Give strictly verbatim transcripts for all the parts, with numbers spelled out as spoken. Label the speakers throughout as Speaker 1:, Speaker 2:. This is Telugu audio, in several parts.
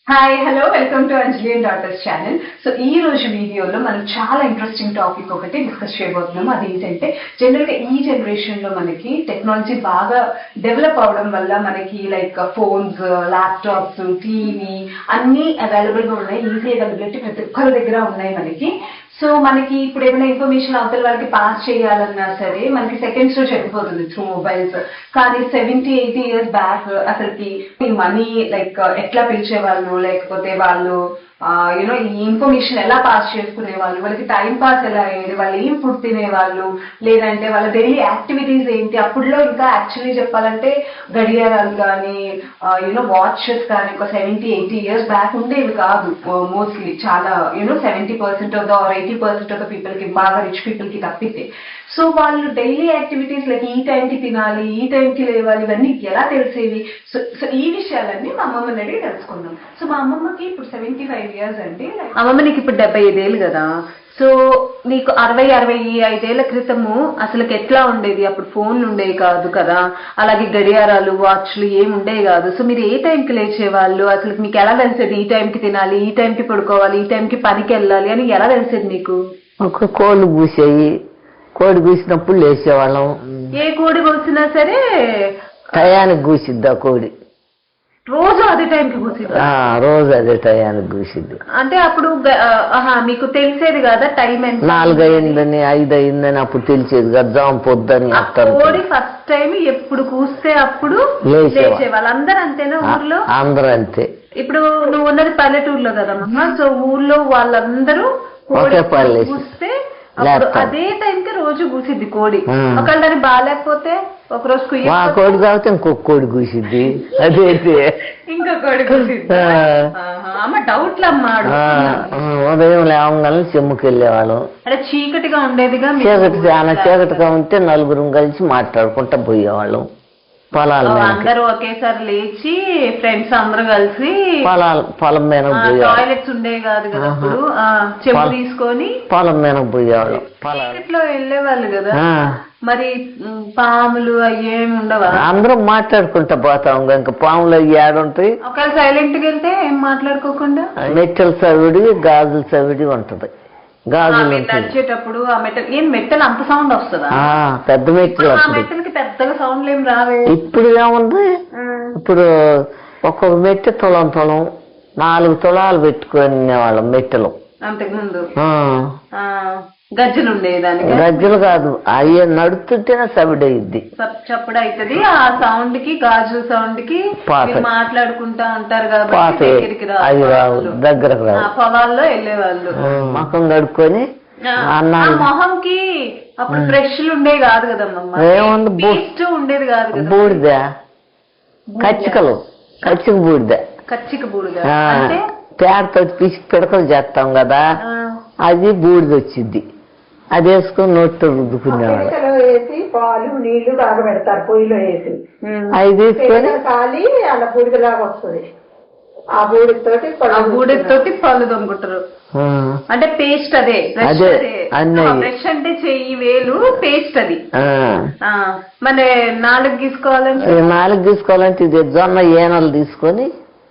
Speaker 1: Hi hello welcome to Anjali and daughters channel. So ఈ రోజు వీడియోలో మనం చాలా ఇంట్రెస్టింగ్ టాపిక్ ఒకటి డిస్కస్ చేయబోతున్నాం. అదేంటంటే జనరల్గా ఈ జనరేషన్ లో మనకి టెక్నాలజీ బాగా డెవలప్ అవడం వల్ల మనకి లైక్ ఫోన్స్, ల్యాప్టాప్స్, టీవీ అన్నీ అవైలబుల్ గా ఉన్నాయి. ఈజీ అవైలబిలిటీ ప్రతి ఒక్కరి దగ్గర ఉన్నాయి మనకి. సో మనకి ఇప్పుడు ఏమైనా ఇన్ఫర్మేషన్ అవతల వాళ్ళకి పాస్ చేయాలన్నా సరే మనకి సెకండ్స్ లో చెప్పిపోతుంది త్రూ మొబైల్స్. కానీ సెవెంటీ ఎయిటీ ఇయర్స్ బ్యాక్ అసలుకి మనీ లైక్ ఎట్లా పిలిచేవాళ్ళు, లేకపోతే వాళ్ళు యూనో ఈ ఇన్ఫర్మేషన్ ఎలా పాస్ చేసుకునే వాళ్ళు, వాళ్ళకి టైం పాస్ ఎలా అయ్యేది, వాళ్ళు ఏం ఫుడ్ తినేవాళ్ళు, లేదంటే వాళ్ళ డైలీ యాక్టివిటీస్ ఏంటి. అప్పుడులో ఇంకా యాక్చువల్లీ చెప్పాలంటే గడియారాలు కానీ యూనో వాచెస్ కానీ ఒక సెవెంటీ ఎయిటీ ఇయర్స్ బ్యాక్ ఉండేవి కాదు మోస్ట్లీ. చాలా you know seventy percent of the or eighty percent of the people కి, బాగా రిచ్ పీపుల్ కి తప్పితే. సో వాళ్ళు డైలీ యాక్టివిటీస్ లైక్ ఈ టైంకి తినాలి, ఈ టైంకి లేవాలి, ఇవన్నీ ఎలా తెలిసేవి. సో సో ఈ విషయాలన్నీ మా అమ్మమ్మని అడిగి తెలుసుకుందాం. సో మా అమ్మమ్మకి ఇప్పుడు సెవెంటీ ఫైవ్ ఇయర్స్ అండి. అమ్మమ్మ నీకు ఇప్పుడు డెబ్బై ఐదేళ్ళు కదా. సో నీకు అరవై అరవై ఐదేళ్ల క్రితము అసలుకి ఎట్లా ఉండేది? అప్పుడు ఫోన్లు ఉండేవి కాదు కదా, అలాగే గడియారాలు, వాచ్లు ఏమి ఉండేవి కాదు. సో మీరు ఏ టైంకి లేచేవాళ్ళు? అసలు మీకు ఎలా తెలిసేది ఈ టైంకి తినాలి, ఈ టైంకి పడుకోవాలి, ఈ టైంకి పనికి వెళ్ళాలి అని ఎలా తెలిసేది మీకు?
Speaker 2: ఒక కోళ్ళు కూసేయి, కోడి కూసినప్పుడు లేచేవాళ్ళం.
Speaker 1: ఏ కోడి కూసినా సరే
Speaker 2: టయానికి కూసిద్దా కోడి?
Speaker 1: రోజు అదే టైంకి కూసిద్దా?
Speaker 2: రోజు అదే టయానికి కూసిద్ది.
Speaker 1: అంటే అప్పుడు మీకు తెలిసేది కదా టైం ఎంత?
Speaker 2: నాలుగు అయిందని ఐదు అయిందని అప్పుడు తెలిసేది కదా, జామ పొద్దని.
Speaker 1: కోడి ఫస్ట్ టైం ఎప్పుడు కూస్తే అప్పుడు లేచేవాళ్ళు. అందరూ అంతేనా ఊర్లో?
Speaker 2: అందరూ అంతే.
Speaker 1: ఇప్పుడు నువ్వు ఉన్నది పల్లెటూరులో కదమ్మా. సో ఊర్లో వాళ్ళందరూ కూస్తే అదే టైంకి రోజు కూసిద్ది కోడి. ఒకవేళ దాన్ని బాగాలేకపోతే ఒక రోజు
Speaker 2: మా కోడి కాబట్టి ఇంకొక కోడి కూసిద్ది. అదైతే
Speaker 1: ఇంకో కోడి కూసిద్ది. అమ్మ డౌట్లు అమ్మా.
Speaker 2: ఉదయం లేవగానే చెమ్ముకి వెళ్ళేవాళ్ళం.
Speaker 1: అంటే చీకటిగా ఉండేదిగా.
Speaker 2: చీకటి చాలా చీకటిగా ఉంటే నలుగురం కలిసి మాట్లాడుకుంటా పోయేవాళ్ళం. పొలాల
Speaker 1: అందరూ ఒకేసారి లేచి ఫ్రెండ్స్ అందరూ కలిసి
Speaker 2: పొలాలు పొలం మీద
Speaker 1: టాయిలెట్స్ ఉండేవి కాదు కదా అప్పుడు. చెంబు తీసుకొని పొలం
Speaker 2: మీద పోయేవాళ్ళం.
Speaker 1: పొలంలో వెళ్ళేవాళ్ళు కదా. మరి పాములు అవి ఏమి ఉండవా?
Speaker 2: అందరం మాట్లాడుకుంటా పోతాం. ఇంకా పాములు అవి ఏడుంటాయి.
Speaker 1: ఒకవేళ సైలెంట్ గా వెళ్తే ఏం మాట్లాడుకోకుండా
Speaker 2: మెట్టెల సవిడి, గాజుల సవిడి ఉంటది. గాజులు
Speaker 1: నడిచేటప్పుడు ఆ మెట్టలు ఏం మెట్టలు అంత సౌండ్ వస్తుందా?
Speaker 2: పెద్ద మెట్టలు.
Speaker 1: ఆ మెట్టలకి పెద్దగా సౌండ్లు ఏం రావే.
Speaker 2: ఇప్పుడు ఏముంది, ఇప్పుడు ఒక్కొక్క మెట్టె తులం తులం నాలుగు తులాలు పెట్టుకునే వాళ్ళం మెట్టెలు.
Speaker 1: అంతకు ముందు గజ్జలు ఉండేది. దానికి
Speaker 2: గజ్జలు కాదు, అయ్యే నడుస్తుంటేనే సవిడి అయ్యిద్ది,
Speaker 1: చప్పుడు అవుతుంది. ఆ సౌండ్ కి, గాజు సౌండ్ కి మాట్లాడుకుంటా ఉంటారు కాబట్టి
Speaker 2: అవి రావు, దగ్గరకు రావు.
Speaker 1: పొలాల్లో వెళ్ళేవాళ్ళు
Speaker 2: ముఖం కడుక్కొని.
Speaker 1: మొహంకి అప్పుడు బ్రష్లు ఉండేవి కాదు కదమ్మా.
Speaker 2: ఏముంది,
Speaker 1: బూస్ట్ ఉండేది కాదు కదా.
Speaker 2: బూడిద, కచ్చికలు, కచ్చిక బూడిద.
Speaker 1: కచ్చిక బూడిద
Speaker 2: అంటే పేడతో పిసి పిడకలు చేస్తాం కదా, అది బూడిద వచ్చింది. అది వేసుకొని నోట్లో రుద్దుకునేవాడు.
Speaker 3: వేసి పాలు నీళ్లు బాగా పెడతారు పొయ్యిలో వేసి,
Speaker 2: అది తీసుకొని
Speaker 3: కాలి అలా బూడిదలాగా వస్తుంది. ఆ బూడితోటి
Speaker 1: బూడితోటి పళ్ళు దొంగుంటారు. అంటే పేస్ట్ అదే బ్రష్ అంటే చెయ్యి వేలు పేస్ట్ అది. మరి నాలుగు తీసుకోవాలంటే
Speaker 2: నాలుగు తీసుకోవాలంటే ఇది జొన్న ఏనలు తీసుకొని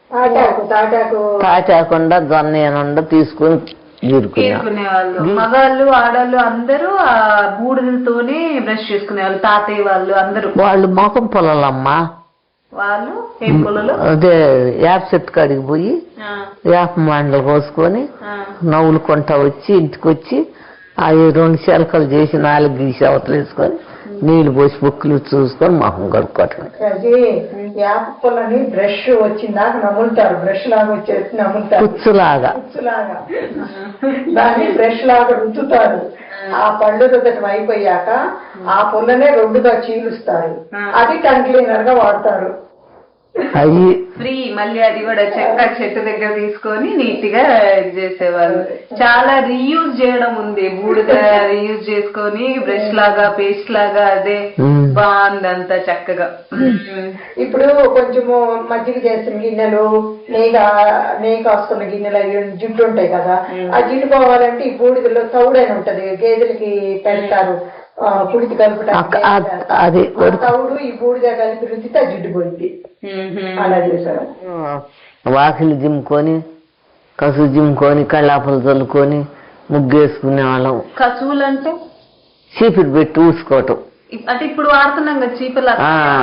Speaker 2: తాటాకుండా జొన్న ఏనుండ తీసుకొని
Speaker 1: తీసుకునేవాళ్ళు. మగాళ్ళు ఆడవాళ్ళు అందరూ ఆ బూడిదలతోనే బ్రష్ చేసుకునేవాళ్ళు. తాతయ్య వాళ్ళు అందరూ.
Speaker 2: వాళ్ళు మొఖం పొలాలమ్మా.
Speaker 1: వాళ్ళు ఏం పొలాలు?
Speaker 2: అదే యాప్ చెట్టు కాడికి పోయి యాప్ మాండలు కోసుకొని నవ్వులు కొంటా వచ్చి ఇంటికి వచ్చి అవి రెండు చిలకలు చేసి నాలుగు గీసి అవతలు వేసుకొని నీళ్లు పోసి బుక్కులు చూసుకొని మొహం కడుక్కోవటం.
Speaker 3: యాప్ పొలని బ్రష్ వచ్చిందాక నములుతారు. బ్రష్ లాగా వచ్చేసి నములుతారు,
Speaker 2: కుచ్చులాగా
Speaker 3: కుచ్చులాగా దాన్ని బ్రష్ లాగా రుద్దుతారు. ఆ పళ్ళు రుద్దటం అయిపోయాక ఆ పొలనే రెండుగా చీలుస్తారు. అది టంగ్ క్లీనర్ గా వాడతారు.
Speaker 2: అవి
Speaker 1: ఫ్రీ. మళ్ళీ అది కూడా చెక్క చెట్టు దగ్గర తీసుకొని నీట్ గా ఇది చేసేవాళ్ళు. చాలా రీయూజ్ చేయడం ఉంది. బూడిద రీయూజ్ చేసుకొని బ్రష్ లాగా పేస్ట్ లాగా అదే బాగుంది అంతా చక్కగా.
Speaker 3: ఇప్పుడు కొంచెము మజ్జిగ చేసిన గిన్నెలు, నెయ్యి నెయ్యి కాసుకున్న గిన్నెలు అవి జిడ్డు ఉంటాయి కదా, ఆ జిడ్డు పోవాలంటే ఈ బూడిదలో తౌడని ఉంటది, గేదెలకి పెడతారు పుడితి కలుపుతారు. తౌడు ఈ బూడిద కలిపి రుద్దితే జిడ్డు పోయింది. అలా చేశారు.
Speaker 2: వాకిలి జిమ్ముకొని కసువు జిమ్ముకొని కళ్ళాపలు చల్లుకొని ముగ్గేసుకునే వాళ్ళం.
Speaker 1: కసువులు అంటే
Speaker 2: చీపురు పెట్టి ఊసుకోవటం.
Speaker 1: అంటే ఇప్పుడు వాడుతున్నాం కదా చీపుర్లు,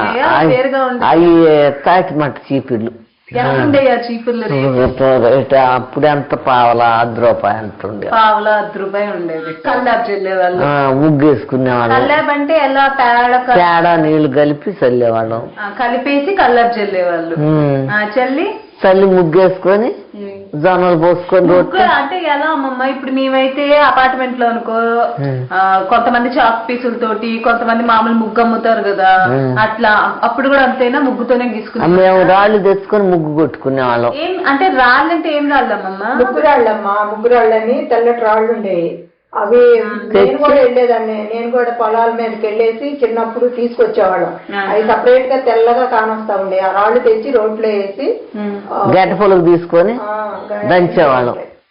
Speaker 2: అవి తాటి మట్ట చీపుర్లు.
Speaker 1: చీపుర్లు
Speaker 2: అప్పుడు ఎంత పావలా అర్ధ రూపాయి ఎంత ఉండే,
Speaker 1: పావలా అర్ధ రూపాయి ఉండేది. కల్లాబ్ చల్లేవాళ్ళు,
Speaker 2: ముగ్గేసుకునేవాళ్ళం.
Speaker 1: కల్లాబ్ అంటే ఎలా పేడ
Speaker 2: పేడ నీళ్లు కలిపి చల్లేవాళ్ళం,
Speaker 1: కలిపేసి కల్లాబ్ చల్లేవాళ్ళు. చల్లి
Speaker 2: చల్లి ముగ్గేసుకొని జొన్నలు పోసుకొని
Speaker 1: అంటే ఎలా అమ్మమ్మ? ఇప్పుడు మేమైతే అపార్ట్మెంట్ లో అనుకో కొంతమంది చాక్ పీసులతోటి, కొంతమంది మామూలు ముగ్గు అమ్ముతారు కదా, అట్లా అప్పుడు కూడా అంతేనా? ముగ్గుతోనే గీసుకున్నాం.
Speaker 2: మేము రాళ్ళు తెచ్చుకొని ముగ్గు కొట్టుకునే వాళ్ళం.
Speaker 1: ఏం అంటే రాళ్ళు అంటే ఏం రాళ్ళమ్మమ్మ?
Speaker 3: ముగ్గు రాళ్ళమ్మా, ముగ్గు రాళ్ళని తెల్లటి రాళ్ళు ఉండేవి. అవి నేను కూడా వెళ్ళేదాన్ని, నేను కూడా పొలాల మీదకి వెళ్ళేసి చిన్నప్పుడు తీసుకొచ్చేవాళ్ళం. అవి సపరేట్ గా తెల్లగా కానొస్తా ఉండే. ఆ రాళ్ళు తెచ్చి రోడ్లో వేసి
Speaker 2: గడ్డ పొలకు తీసుకొని దంచేవాళ్ళం.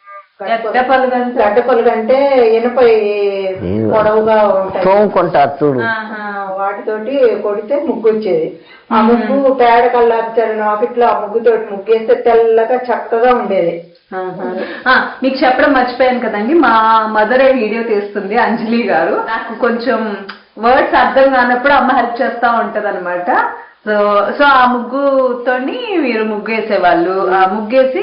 Speaker 3: గడ్డ పొలుగు అంటే ఇనుప పొడవుగా ఉంటాయి,
Speaker 2: తోముకుంటారు చూడు,
Speaker 3: వాటితోటి కొడితే ముగ్గు వచ్చేది. ఆ ముగ్గు పేడ కల్లాపుతారు ఆకిట్లో, ఆ ముగ్గుతోటి ముగ్గేస్తే తెల్లగా చక్కగా ఉండేది.
Speaker 1: మీకు చెప్పడం మర్చిపోయాను కదండి, మా మదర్ వీడియో తీస్తుంది అంజలి గారు. నాకు కొంచెం వర్డ్స్ అర్థం కానప్పుడు అమ్మ హెల్ప్ చేస్తా ఉంటది అనమాట. సో సో ఆ ముగ్గుతోని మీరు ముగ్గు వేసేవాళ్ళు. ఆ ముగ్గేసి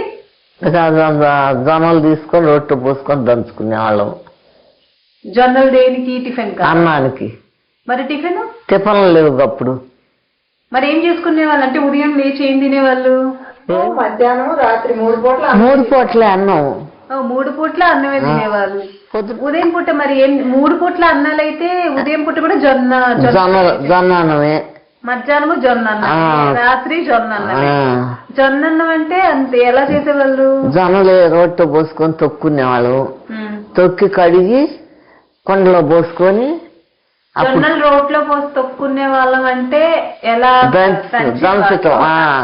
Speaker 2: జొన్నలు తీసుకొని రొట్టె పోసుకొని దంచుకునే వాళ్ళం.
Speaker 1: జొన్నలు దేనికి? టిఫిన్
Speaker 2: అన్నానికి.
Speaker 1: మరి టిఫిన్
Speaker 2: టిఫిన్లు లేవు అప్పుడు.
Speaker 1: మరి ఏం చేసుకునే వాళ్ళు? అంటే ఉదయం లేచి ఏం తినేవాళ్ళు?
Speaker 3: మధ్యాహ్నం రాత్రి మూడు పూట్ల
Speaker 2: మూడు పూట్లే అన్నం.
Speaker 1: మూడు పూట్ల అన్నమే తినేవాళ్ళు. ఉదయం పూట మరి ఏం? మూడు పూట్ల అన్నాలు అయితే ఉదయం పూట కూడా జొన్న
Speaker 2: జొన్న జొన్న అన్నమే,
Speaker 1: మధ్యాహ్నము జొన్న అన్నం, రాత్రి జొన్న అన్నమే. జొన్న అన్నం అంటే అంతే. ఎలా చేసేవాళ్ళు?
Speaker 2: జొన్నలు రొట్టె పోసుకొని తొక్కునేవాళ్ళు. తొక్కి కడిగి కొండలో పోసుకొని
Speaker 1: జొన్నలు రోట్లో పోసి తొక్కునే వాళ్ళం. అంటే ఎలా?
Speaker 2: దంచటం.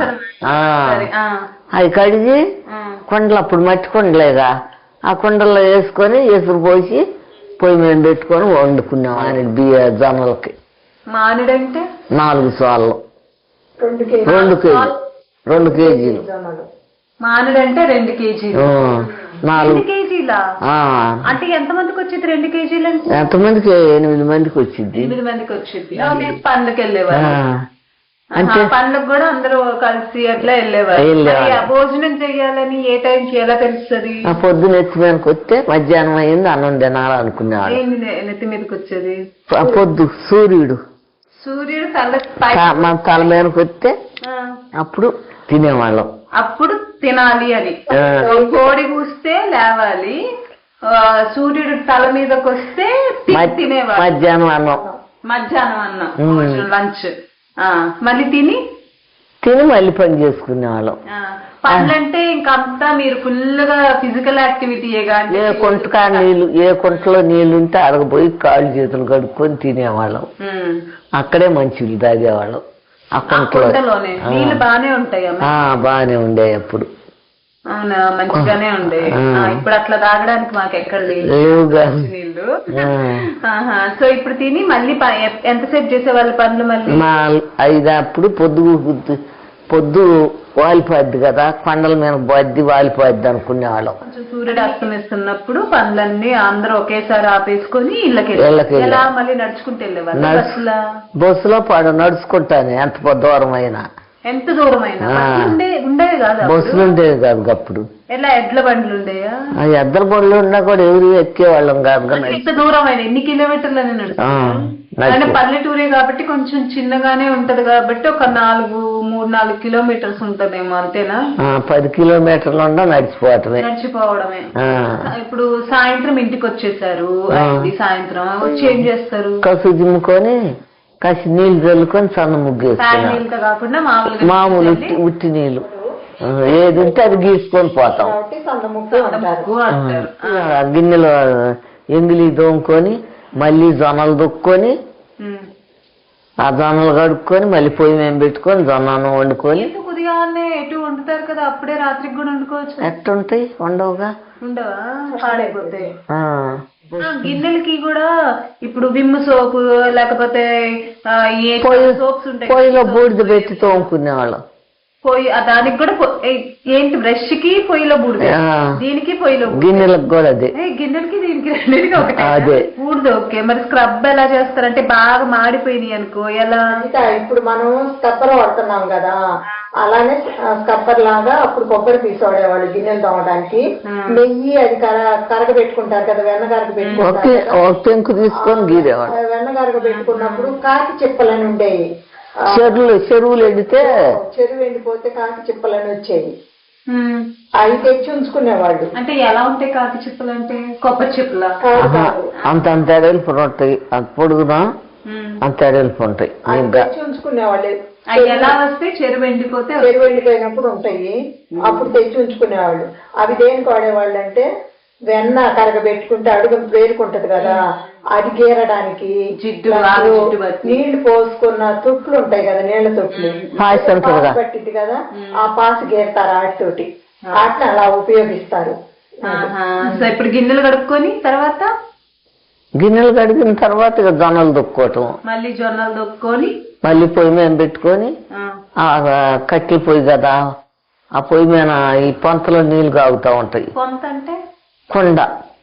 Speaker 2: అవి కడిగి కొండలు, అప్పుడు మట్టి కొండలేగా, ఆ కొండల్లో వేసుకొని ఎసురు పోసి పొయ్యి మీద పెట్టుకొని వండుకున్నాం. ఆయన బియ్య జొన్నలకి
Speaker 1: మామిడంటే
Speaker 2: నాలుగు సార్లు రెండు కేజీలు రెండు కేజీలు
Speaker 1: మామిడంటే రెండు కేజీలు నాలుగు కేజీలా? అంటే ఎంత మందికి వచ్చింది రెండు కేజీలు? అంటే
Speaker 2: ఎంత మందికి? ఎనిమిది మందికి వచ్చింది.
Speaker 1: ఎనిమిది మందికి వచ్చింది. పండ్లకి వెళ్ళేవారు. అంటే పండ్లకు కూడా అందరూ కలిసి అట్లా వెళ్ళేవారు. భోజనం చెయ్యాలని ఏ టైంకి ఎలా తెలుస్తుంది?
Speaker 2: పొద్దున ఎత్తి మీదకి వస్తే మధ్యాహ్నం అయింది అన్నం తినాలి అనుకునేవాడు.
Speaker 1: నెత్తి మీదకి వచ్చేది
Speaker 2: పొద్దు సూర్యుడు
Speaker 1: సూర్యుడు తల
Speaker 2: మన తల మీదకి వస్తే అప్పుడు తినేవాళ్ళం.
Speaker 1: అప్పుడు తినాలి అని. కోడి కూస్తే లేవాలి, సూర్యుడు తల మీదకి వస్తే తినేవాళ్ళు.
Speaker 2: మధ్యాహ్నం అన్నం
Speaker 1: మధ్యాహ్నం అన్నం లంచ్. మళ్ళీ తిని
Speaker 2: తిని మళ్ళీ పని చేసుకునేవాళ్ళం.
Speaker 1: పనులంటే ఇంకంతా మీరు ఫుల్ గా ఫిజికల్ యాక్టివిటీయే కానీ
Speaker 2: ఏ కుంటకా నీళ్లు, ఏ కుంటలో నీళ్లు ఉంటే అడగపోయి కాళ్ళు చేతులు కడుక్కొని తినేవాళ్ళం. అక్కడే మంచిలు తాగేవాళ్ళం. ఆ కుంటలోనే
Speaker 1: నీళ్ళు బానే ఉంటాయి.
Speaker 2: బానే ఉండే అప్పుడు.
Speaker 1: అవునా? మంచిగానే ఉండే. ఇప్పుడు అట్లా తాగడానికి మాకు ఎక్కడ లేదు నీళ్లు. సో ఇప్పుడు తిని మళ్ళీ ఎంతసేపు చేసేవాళ్ళు పనులు? మళ్ళీ
Speaker 2: మా ఐదు అప్పుడు పొద్దు పొద్దు వాలిపోద్ది కదా, కొండల మీద బద్ది వాలిపోద్ది అనుకునేవాళ్ళం.
Speaker 1: కొంచెం సూర్యుడు అస్తమిస్తున్నప్పుడు పనులన్నీ అందరూ ఒకేసారి ఆపేసుకొని ఇళ్ళకి ఎలా మళ్ళీ నడుచుకుంటూ వెళ్ళేవాళ్ళు.
Speaker 2: బస్సులో పడ నడుచుకుంటాను ఎంత దూరం అయినా.
Speaker 1: ఎంత దూరం అయినా ఉండేవి కాదు,
Speaker 2: బస్సులు ఉండేవి కాదు అప్పుడు.
Speaker 1: ఎలా ఎడ్ల బండ్లు ఉండేయా?
Speaker 2: ఎద్దల బండ్లు ఉన్నా కూడా ఎవరు ఎక్కేవాళ్ళం కాదు.
Speaker 1: ఎంత దూరం అయినా ఎన్ని కిలోమీటర్లని నడుస్తాం? పల్లెటూరే కాబట్టి కొంచెం చిన్నగానే ఉంటది కాబట్టి ఒక నాలుగు మూడు నాలుగు కిలోమీటర్స్ ఉంటదేమో, అంతేనా?
Speaker 2: పది కిలోమీటర్లు ఉండ నడిచిపోవటమే
Speaker 1: నడిచిపోవడమే. ఇప్పుడు సాయంత్రం ఇంటికి వచ్చేసారు, సాయంత్రం వచ్చి ఏం చేస్తారు?
Speaker 2: కసు జిమ్ముకొని కాసి నీళ్లు చల్లుకొని సన్న ముగ్గు
Speaker 1: కాకుండా
Speaker 2: మామూలు ఉట్టి నీళ్లు ఏది ఉంటే అది గీసుకొని పోతాం. గిన్నెలో ఎంగిలి దోముకొని మళ్ళీ జొన్నలు దొక్కుని ఆ జొన్నలు కడుక్కొని మళ్ళీ పొయ్యి మేము పెట్టుకొని జొన్న అన్నం వండుకొని.
Speaker 1: ఉదయాన్నే ఎటు వండుతారు కదా, అప్పుడే రాత్రికి కూడా వండుకోవచ్చు.
Speaker 2: ఎట్టుంటాయి? ఉండవుగా.
Speaker 1: ఉండవా? పాడైపోతాయి. గిన్నెలకి కూడా ఇప్పుడు విమ్ సోపు లేకపోతే సోప్స్ ఉంటాయి,
Speaker 2: పొయ్యిలో బూడిద పెట్టి తోముకునేవాళ్ళం.
Speaker 1: పొయ్యి ఆ దానికి కూడా పొ- ఏ- ఏంటి బ్రష్ కి పొయ్యిలో బూడిద,
Speaker 2: ఆ.
Speaker 1: దీనికి పొయ్యిలో బూడిద.
Speaker 2: గిన్నెలకు కూడా అదే
Speaker 1: ఏ, గిన్నెలకి దీనికి రెండింటికి ఒకటే
Speaker 2: అదే.
Speaker 1: బూడిద. ఓకే, మరి స్క్రబ్ ఎలా చేస్తారంటే బాగా మాడిపోయినాయి అనుకో ఎలా?
Speaker 3: ఇంకా ఇప్పుడు మనం స్కప్పర్ వాడుతున్నాం కదా, అలానే స్కప్పర్ లాగా అప్పుడు కొబ్బరి తీసుకోడేవాళ్ళు గిన్నెలు తోమడానికి. నెయ్యి అది కర కరగ పెట్టుకుంటారు కదా, వెన్న కరగ పెట్టుకుంటారు
Speaker 2: ఒకే
Speaker 3: కదా.
Speaker 2: ఒక పెంకు తీసుకొని గీరేవాడు.
Speaker 3: ఆ వెన్న కరగ పెట్టుకున్నప్పుడు కాకి చిప్పలని ఉండేవి. ఆ,
Speaker 2: చెరువులు చెరువులు ఎండితే
Speaker 3: చెరువు ఎండిపోతే కాకి చిప్పలని వచ్చేవి.
Speaker 1: ఉమ్.
Speaker 3: అవి తెచ్చి ఉంచుకునేవాళ్ళు.
Speaker 1: అంటే ఎలా ఉంటాయి కాకి చిప్పలు అంటే? కొబ్బరి చిప్పలా?
Speaker 3: కాదు
Speaker 2: ఆహా,
Speaker 3: కాదు.
Speaker 2: అంత అంత ఎడల్పు ఉంటాయి, అంత పొడుగునా
Speaker 1: ఉమ్.
Speaker 2: అంత ఎడల్పు ఉంటాయి.
Speaker 3: అవి
Speaker 2: ఇంకా
Speaker 3: తెచ్చి ఉంచుకునేవాళ్ళు.
Speaker 1: అవి ఎలా వస్తే చెరువు ఎండిపోతే
Speaker 3: చెరువు ఎండిపోయినప్పుడు ఉంటాయి, అప్పుడు తెచ్చి ఉంచుకునేవాళ్ళు. అవి దేనికి వాడేవాళ్ళు అంటే వెన్న కరగ పెట్టుకుంటే అడుగు వేరుకుంటది కదా, అది గీరడానికి.
Speaker 1: జిడ్డు,
Speaker 3: దాంట్లో
Speaker 1: బాగా జిడ్డు పట్టి.
Speaker 3: నీళ్లు పోసుకున్న తొట్లు ఉంటాయి కదా, నీళ్ల తొట్లు,
Speaker 2: పాయసం
Speaker 3: పాసు
Speaker 2: ఉంటుందిగా.
Speaker 3: పట్టింది కదా, ఆ పాసు గీరతారు ఆటితోటి. వాటిని అలా ఉపయోగిస్తారు.
Speaker 1: ఆహా. సో ఇప్పుడు గిన్నెలు కడుక్కొని తర్వాత
Speaker 2: గిన్నెలు కడిగిన తర్వాత ఇక జొన్నలు దుక్కోవటం,
Speaker 1: మళ్ళీ జొన్నలు దొక్కొని
Speaker 2: మళ్ళీ పొయ్యి మీద పెట్టుకొని
Speaker 1: ఆ,
Speaker 2: ఆ కట్టెల పొయ్యి కదా, ఆ పొయ్యి మీద ఈ పొంతలో నీళ్లు కాగుతా ఉంటాయి.
Speaker 1: కొంత అంటే
Speaker 2: కొండ,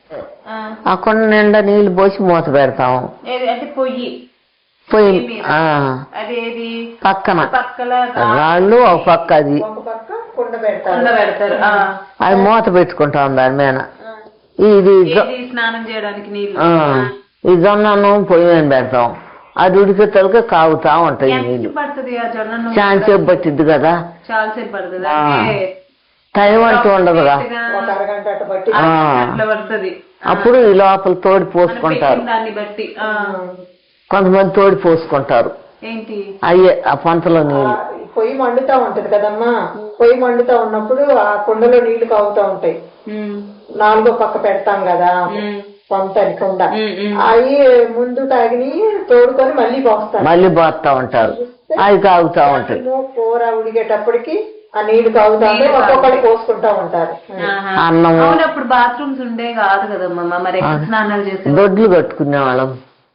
Speaker 1: ఆ,
Speaker 2: ఆ కొండ నిండా నీళ్లు పోసి మూత పెడతాం.
Speaker 1: ఏది అంటే పొయ్యి
Speaker 2: పొయ్యి
Speaker 1: మీద.
Speaker 2: ఆ
Speaker 1: అదేది
Speaker 2: పక్కన
Speaker 1: పక్కల
Speaker 2: రాళ్ళు ఒక పక్క అది,
Speaker 3: ఒక పక్క కుండ పెడతారు.
Speaker 1: కుండ పెడతారు. ఆ,
Speaker 2: అది మూత పెట్టుకుంటాం దాని మీద.
Speaker 1: ఆ.
Speaker 2: ఇది జొ-
Speaker 1: ఏది స్నానం చేయడానికి నీళ్లు.
Speaker 2: ఆ, ఈ జొన్నను పొయ్యి మీద పెడతాం, అది ఉడికే తలక కాగుతా ఉంటాయి
Speaker 1: ఎంత
Speaker 2: నీళ్లు.
Speaker 1: పడుతుంది ఆ జొన్న
Speaker 2: చాలా సేపు పట్టిద్ది కదా,
Speaker 1: చాలా సేపు పడుతుంది.
Speaker 2: ఆ.
Speaker 1: అంటే
Speaker 2: టైం అంటూ ఉండదుగా.
Speaker 3: ఒక అరగంట అట్ట బట్టి
Speaker 2: ఆ.
Speaker 1: అట్లా పడుతుంది.
Speaker 2: అప్పుడు ఈ లోపల తోడి పోసుకుంటారు,
Speaker 1: దాన్ని బట్టి. ఆ.
Speaker 2: కొంతమంది తోడి పోసుకుంటారు.
Speaker 1: ఏంటి
Speaker 2: అయ్యే ఆ పంతలో నీళ్ళు.
Speaker 3: ఆ, పొయ్యి మండుతా ఉంటది కదమ్మా, పొయ్యి మండుతా ఉన్నప్పుడు ఆ కుండలో నీళ్లు కాగుతా ఉంటాయి.
Speaker 1: ఉమ్,
Speaker 3: నాలుగో పక్క పెడతాం కదా
Speaker 1: ఉమ్,
Speaker 3: పంతని కుండ,
Speaker 1: ఉమ్, ఉమ్.
Speaker 3: అవి ముందు తాగిని తోడుకొని మళ్ళీ పోస్తారు.
Speaker 2: మళ్ళీ పోతా ఉంటారు, అవి కాగుతా ఉంటాయి.
Speaker 3: అన్నము, కూర ఉడికేటప్పటికి ఆ నీళ్లు కాగుతా ఉంటాయి,
Speaker 1: నీళ్లు
Speaker 3: ఒక్కొక్కటి పోసుకుంటా ఉంటారు.
Speaker 1: ఆహా.
Speaker 2: అన్నము.
Speaker 1: అవును, అప్పుడు బాత్రూమ్స్ ఉండే కాదు కదమ్మా, మరి ఎక్కడ స్నానాలు చేసే?
Speaker 2: దొడ్లు కట్టుకునే వాళ్ళం,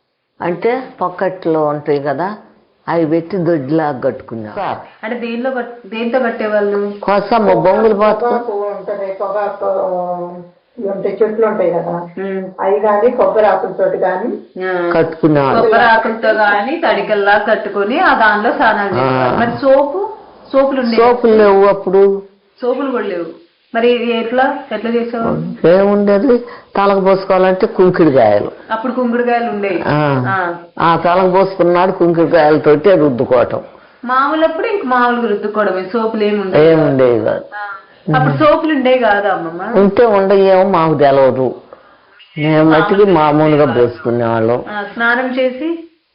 Speaker 2: అంటే పొక్కట్లో ఉంటాయి కదా, అవి పెట్టి దొడ్లాగా కట్టుకున్నాం.
Speaker 1: అంటే దేనిలో కట్- దేంతో కట్టేవాళ్ళు?
Speaker 2: కోసం బొంగులు పోతుకు
Speaker 3: పొగాకు ఉంటది, పొగాకు ఇవి ఉంటాయి, చెట్లు ఉంటాయి కదా,
Speaker 1: ఉమ్.
Speaker 3: అవి కానీ కొబ్బరి ఆకులతోటి కానీ
Speaker 1: ఆ.
Speaker 2: కట్టుకునే వాళ్ళం.
Speaker 1: కొబ్బరి ఆకులతో గాని తడికల్లా కట్టుకొని ఆ దానిలో స్నానాలు చేసేవాళ్ళు. మరి సోపు సోపులు ఉండే?
Speaker 2: సోపులు లేవు అప్పుడు,
Speaker 1: సోపులు కూడా లేవు. మరి ఎట్లా ఎట్లా చేసేవాళ్ళు?
Speaker 2: ఏముండేది, తలకు పోసుకోవాలంటే కుంకిడికాయలు.
Speaker 1: అప్పుడు కుంకుడుకాయలు ఉండేవి.
Speaker 2: ఆ.
Speaker 1: ఆ.
Speaker 2: ఆ తలకు పోసుకున్నాడు కుంకిడికాయలతోటి రుద్దుకోవటం.
Speaker 1: మామూలు అప్పుడు ఇంక మామూలుగా రుద్దుకోవడమే, సోపులు ఏమి ఉండేవి.
Speaker 2: ఏముండేది కాదు.
Speaker 1: అప్పుడు సోపులు ఉండేవి కాదా అమ్మమ్మ?
Speaker 2: ఉంటే ఉండయేమో మాకు తెలవదు, మేము మట్టికి మామూలుగా పోసుకునేవాళ్ళం.
Speaker 1: ఆ, స్నానం చేసి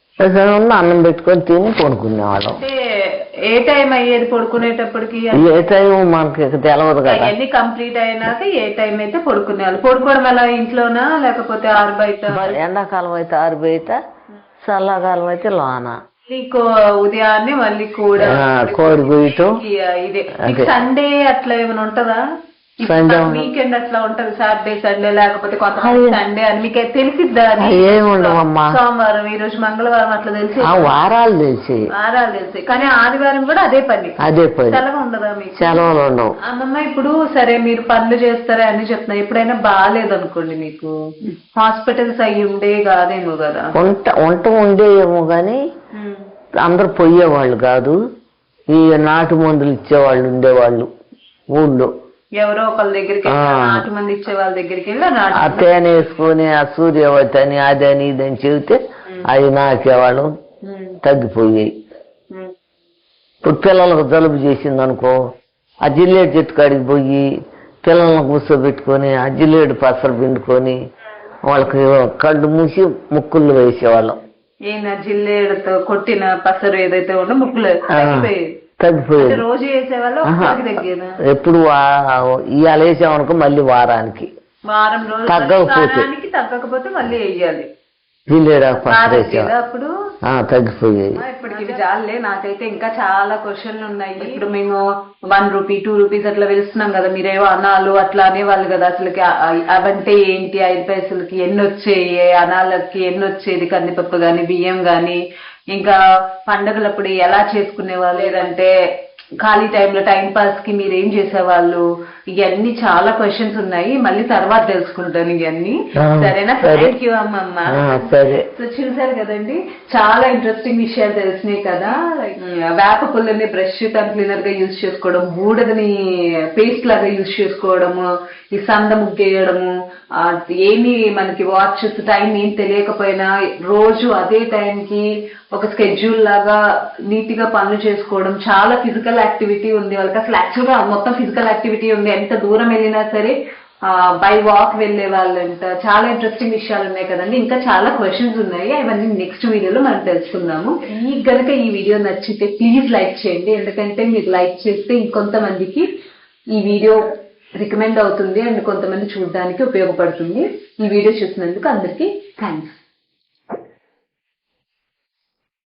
Speaker 2: ఉన్న అన్నం పెట్టుకొని తిని కొనుక్కునేవాళ్ళం.
Speaker 1: అంటే ఏ టైం అయ్యేది పడుకునేటప్పటికి?
Speaker 2: ఏ టైం మనకి తెలవదు కదా.
Speaker 1: అవన్నీ కంప్లీట్ అయినాక ఏ టైం అయితే పడుకునేవాళ్ళు? పడుకోవడం ఎలా, ఇంట్లోనా లేకపోతే ఆరు బయట?
Speaker 2: ఎండాకాలం అయితే ఆరు బయట, చల్లకాలం అయితే లోన.
Speaker 1: నీకు ఉదయాన్నే మళ్ళీ కూడా
Speaker 2: ఆ, కోడి గుయ్యటం.
Speaker 1: ఇదే
Speaker 2: అంతే.
Speaker 1: సండే అట్లా ఏమైనా ఉంటదా?
Speaker 2: సండే
Speaker 1: వీకెండ్ అట్లా ఉంటది, సాటర్డే సండే లేకపోతే కొంత
Speaker 2: అయ్యో.
Speaker 1: సండే అని మీకు తెలిసిద్దా? అది?
Speaker 2: ఏమి ఉండవమ్మా,
Speaker 1: సోమవారం, ఈ రోజు మంగళవారం అట్లా తెలిసి
Speaker 2: ఆ వారాలు తెలిసి
Speaker 1: వారాలు తెలిసి, కానీ ఆదివారం కూడా అదే పని.
Speaker 2: అదే పని,
Speaker 1: సెలవు ఉండదా మీకు?
Speaker 2: సెలవులు ఉండవు.
Speaker 1: అమ్మమ్మ ఇప్పుడు సరే మీరు పనులు చేస్తారా అని చెప్తున్నా, ఎప్పుడైనా బాగాలేదనుకోండి, మీకు హాస్పిటల్స్ అయ్యి ఉండే కాదేమో కదా?
Speaker 2: వంట వంట ఉండేయేమో కానీ
Speaker 1: ఉమ్.
Speaker 2: అందరు పోయేవాళ్ళు కాదు, ఈ నాటు మందులు ఇచ్చేవాళ్ళు ఉండేవాళ్ళు ఊళ్ళో.
Speaker 1: ఎవరో ఒకళ్ళ దగ్గరికి
Speaker 2: ఆ.
Speaker 1: నాటు మంది ఇచ్చే వాళ్ళ దగ్గరికి వెళ్ళి నాటు
Speaker 2: ఆ తేనె వేసుకొని ఆ సూర్యవతి అని అదని ఇదని చెబితే అవి నాకేవాళ్ళు
Speaker 1: ఉమ్.
Speaker 2: తగ్గిపోయాయి.
Speaker 1: ఉమ్.
Speaker 2: ఇప్పుడు పిల్లలకు జలుబు చేసింది అనుకో, ఆ జిల్లేడు చెట్టు కాడికి పోయి పిల్లలను కూర్చోబెట్టుకొని ఆ జిల్లేడు పసరు పిండుకొని వాళ్ళకి కళ్ళు మూసి ముక్కుళ్ళు వేసేవాళ్ళం.
Speaker 1: ఈయన జిల్లేడుతో కొట్టిన పసరు ఏదైతే ఉందో ముక్కులు తగ్గిపోయేది.
Speaker 2: తగ్గిపోయేది.
Speaker 1: అంటే రోజు వేసేవాళ్ళు
Speaker 2: ఆహా.
Speaker 1: ఒకసారి తగ్గేదా?
Speaker 2: ఎప్పుడు వా- ఇవాళ వేసామనుకో మళ్ళీ వారానికి,
Speaker 1: వారం రోజులు
Speaker 2: తగ్గకపోతే.
Speaker 1: వారానికి తగ్గకపోతే మళ్ళీ వేయాలి.
Speaker 2: జిల్లేడు పసరు
Speaker 1: కాదు
Speaker 2: వేసేవాళ్ళం.
Speaker 1: కదా అప్పుడు?
Speaker 2: ఆ, తగ్గిపోయాయి.
Speaker 1: ఇప్పటికి ఇవి చాలే, నాకైతే ఇంకా చాలా క్వశ్చన్లు ఉన్నాయి. ఇప్పుడు మేము వన్ రూపీ టూ రూపీస్ అట్లా వెళ్తున్నాం కదా, మీరేవో అనాలు అట్లా అనేవాళ్ళు కదా, అసలుకి ఆ- ఆ- అవంటే ఏంటి, ఐదు పైసలకి ఎన్ని వచ్చేయి, అనాలకి ఎన్ని వచ్చేది, కందిపప్పు గాని బియ్యం గాని, ఇంకా పండగలప్పుడు ఎలా చేసుకునేవాళ్ళు, లేదంటే ఖాళీ టైంలో టైం పాస్ కి మీరు ఏం చేసేవాళ్ళు, ఇవన్నీ చాలా క్వశ్చన్స్ ఉన్నాయి, మళ్ళీ తర్వాత తెలుసుకుంటాను ఇవన్నీ. సరేనా? థ్యాంక్ యూ అమ్మమ్మ.
Speaker 2: సరే.
Speaker 1: సో చూసారు కదండి, చాలా ఇంట్రెస్టింగ్ విషయాలు తెలిసినాయి కదా. వేప పుల్లని బ్రష్ టంగ్ క్లీనర్ గా యూజ్ చేసుకోవడం, బూడదని పేస్ట్ లాగా యూజ్ చేసుకోవడము, ఈ సంద ముగ్గేయడము, ఏమి మనకి వాచెస్ టైం ఏం తెలియకపోయినా రోజు అదే టైంకి ఒక స్కెడ్యూల్ లాగా నీట్ గా పనులు చేసుకోవడం, చాలా ఫిజికల్ యాక్టివిటీ ఉంది వాళ్ళకి. అసలు యాక్చువల్ గా మొత్తం ఫిజికల్ యాక్టివిటీ ఉంది, ఎంత దూరం వెళ్ళినా సరే బై వాక్ వెళ్లే వాళ్ళంట. చాలా ఇంట్రెస్టింగ్ విషయాలు ఉన్నాయి కదండి. ఇంకా చాలా క్వశ్చన్స్ ఉన్నాయి, అవన్నీ నెక్స్ట్ వీడియోలో మనం తెలుసుకుందాము. మీకు గనక ఈ వీడియో నచ్చితే ప్లీజ్ లైక్ చేయండి, ఎందుకంటే మీరు లైక్ చేస్తే ఇంకొంతమందికి ఈ వీడియో రికమెండ్ అవుతుంది అండ్ కొంతమంది చూడడానికి ఉపయోగపడుతుంది. ఈ వీడియో చూసినందుకు అందరికీ థ్యాంక్స్.